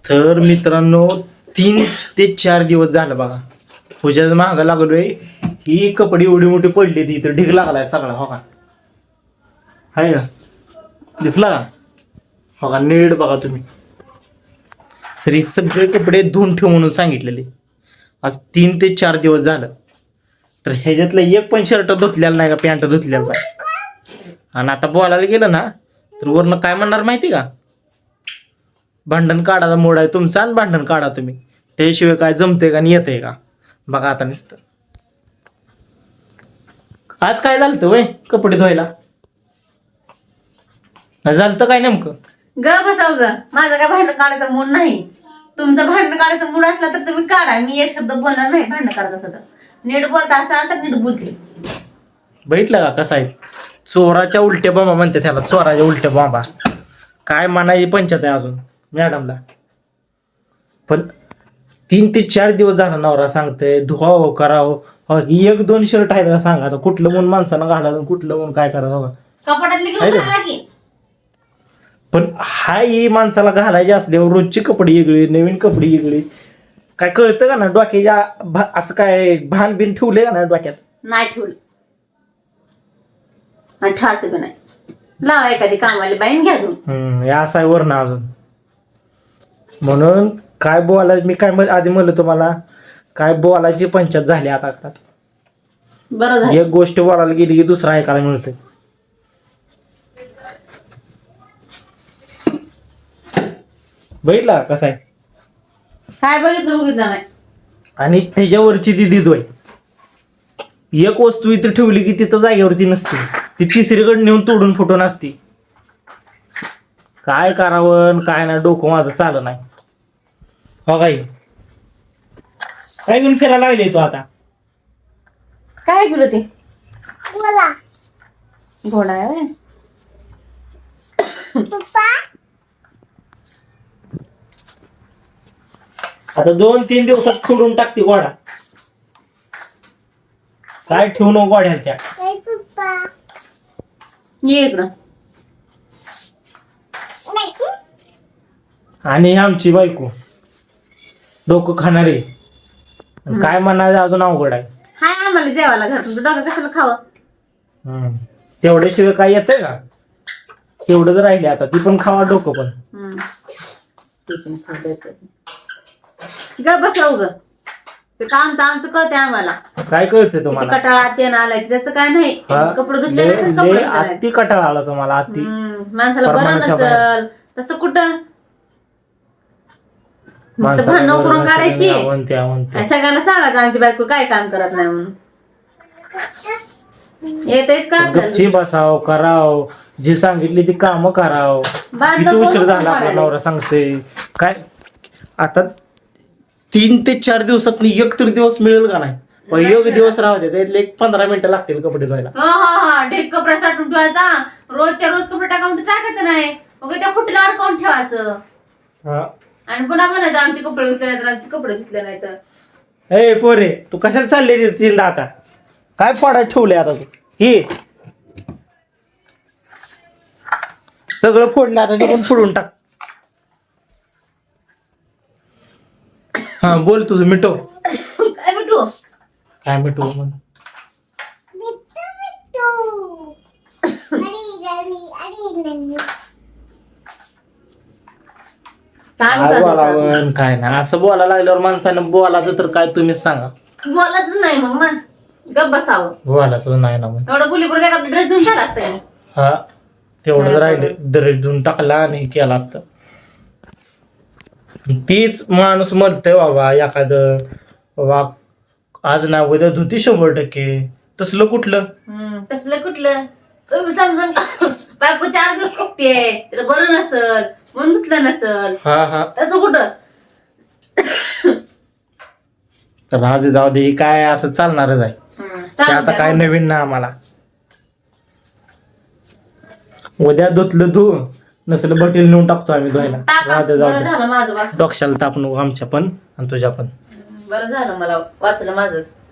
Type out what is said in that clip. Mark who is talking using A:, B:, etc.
A: तर मित्रांनो 3 ते 4 दिवस झालं बघा पूजाचं महागा लागलोय. ही कपडे एवढी मोठी पडली ती तर ढीग लागलाय सगळा. हो का आहे का दिसला का? हो का नीट बघा तुम्ही. तरी सगळे कपडे धुवून ठेव म्हणून सांगितलेले. आज 3 ते 4 दिवस झालं. तर ह्याच्यातलं एक पण शर्ट धुतलेला नाही का पॅन्ट धुतलेला नाही. आणि आता बोलायला गेलं ना तर वरनं काय म्हणणार माहिती का? भांडण काढायचा मोड आहे तुमचा आणि भांडण काढा तुम्ही. त्याशिवाय काय जमते का आणि येते का? बघा आता नुसतं. आज काय झालं वय कपडे धुवायला झालं काय नेमकं?
B: ग बसाव ग. माझं काय भांडण काढायचा मूड नाही. तुमचं भांडण काढायचा मूड असला तर तुम्ही काढा. मी एक शब्द बोलणार नाही भांडण काढायचं होतं. नीट बोलता असाल तर नीट बोलते.
A: बघितलं का कसं आहे? चोराच्या उलट्या बाबा म्हणते त्याला. चोराच्या उलट्या बाबा काय म्हणायची पंचायत आहे अजून मॅडमला. पण 3 ते 4 दिवस झाला नवरा सांगतोय धुवावं करावं. 1-2 शर्ट आहेत का सांगा आता. कुठलं म्हणून माणसानं घालायचं कुठलं म्हणून काय करायचं.
B: कपाटातली घेऊन टाकला की.
A: पण ही माणसाला घालायची असल्यावर रोजची कपडे वेगळी नवीन कपडे वेगळी. काय कळतं का ना डोक्याच्या असं काय भान बिन ठेवलंय का ना डोक्यात?
B: नाही ठेवलं आणि ठेवायचं बी नाही. लावा एखादी कामवाली बाईन घ्या धुवून.
A: हे असं आहे वर ना अजून. म्हणून काय बोलायचं मी काय आधी म्हणलं तुम्हाला काय बोलायची पंचायत झाली आता.
B: बरं झालं.
A: एक गोष्ट बोलायला गेली की दुसरा ऐकायला मिळतं. बघितला कसा आहे?
B: काय बघितलं नाही.
A: आणि त्याच्यावरची ती दिदोय एक वस्तू इथे ठेवली की तिथं जागेवरती नसते. ती तिसरीकडे नेऊन तोडून फुटून असते. काय करावं काय नाही डोकं माझं चाललं नाही. हो काय घेऊन फिरायला लागले तू आता?
B: काय बोलू ते घोडा आहे.
A: आता 2-3 दिवसात खोडून टाकते गोडा. काय ठेवू नको गोड्याला त्या.
B: ये इकडं.
A: आणि आमची बायको डोकं खाणारे काय म्हणायचं अजून अवघड आहे.
B: हाय आम्हाला जेवायला घर तुमचं डोकं कशाला खावं.
A: तेवढ्याशिवाय काय येतंय का? तेवढंच राहिले आता. ती पण खावा डोकं पण.
B: ग बसव ग. ते काम तर आमचं कळतंय आम्हाला.
A: काय कळते
B: किती
A: तुम्हाला?
B: कटाळा ते ना आलाय त्याचं काय नाही. कपडे धुतले नाही तर कपडे धुतले
A: अति कटाळा आला तुम्हाला अति.
B: माणसाला बरं
A: प्रमाणाच्या
B: नसल तसं कुठं
A: माणसाला
B: भांडण
A: बरं
B: करून
A: नसेल
B: काढायची.
A: आणि आवंते.
B: आणि सगळ्यांना सांगायचं आमची बायको काय काम करत नाही म्हणून. येतेच का
A: गपची बसाव कराव जे सांगितली ती कामं कराव. किती उशीर झाला आपला नवरा सांगते काय. आता 3 ते 4 दिवसात एक तर दिवस मिळेल का नाही? एक दिवस राहू दे त्यातले 15 मिनिटं लागतील कपडे धुवायला.
B: हा ढेक कपडा साठून ठेवायचा. रोजच्या रोज कपडे टाकावून टाकायचं नाही. मग त्या फुटला अडकावून ठेवायचं. आणि पुन्हा म्हणायचं आमचे कपडे धुतले नाही तर आमचे कपडे धुतले नाही तर.
A: ए पोरे तू कशाला चालले तीनदा आता? काय फोडायला ठेवले आता तू? हे सगळं फोडलं आता ते पण फोडून टाक. हा बोल तुझं मिटव.
B: काय भेटू
A: काय मिटव म्हण. काय बोलावं काय नाही असं बोलायला लागल्यावर माणसानं बोलायचं तर काय तुम्हीच सांगा.
B: बोलाच नाही मग ना गप बसावं.
A: बोलायचं नाही ना मग.
B: एवढं बुलीपुढे एका ड्रेस धुवून टाकला असता.
A: हा तेवढंच राहिले ड्रेस धुवून टाकला आणि केला असतं. तीच माणूस म्हणतोय बाबा एखादं बाबा आज ना उद्या धुती 100%. तसलं कुठलं
B: तसलं कुठलं तुम्ही समजून बायको 4 दिवस फुकते तर बरं नसल म्हणून धुतलं नसल.
A: हा
B: तसं कुठं.
A: तर आधी जाऊ दे काय असं चालणारच आहे. ते आता काय नवीन ना आम्हाला. उद्या धुतलं धु नसलं बटील नेऊन टाकतो आम्ही धुवायला.
B: बरं झालं माझं
A: डोक्याला ताप नको आमच्या पण आणि तुझ्या पण.
B: बरं झालं मला वाचलं माझंच.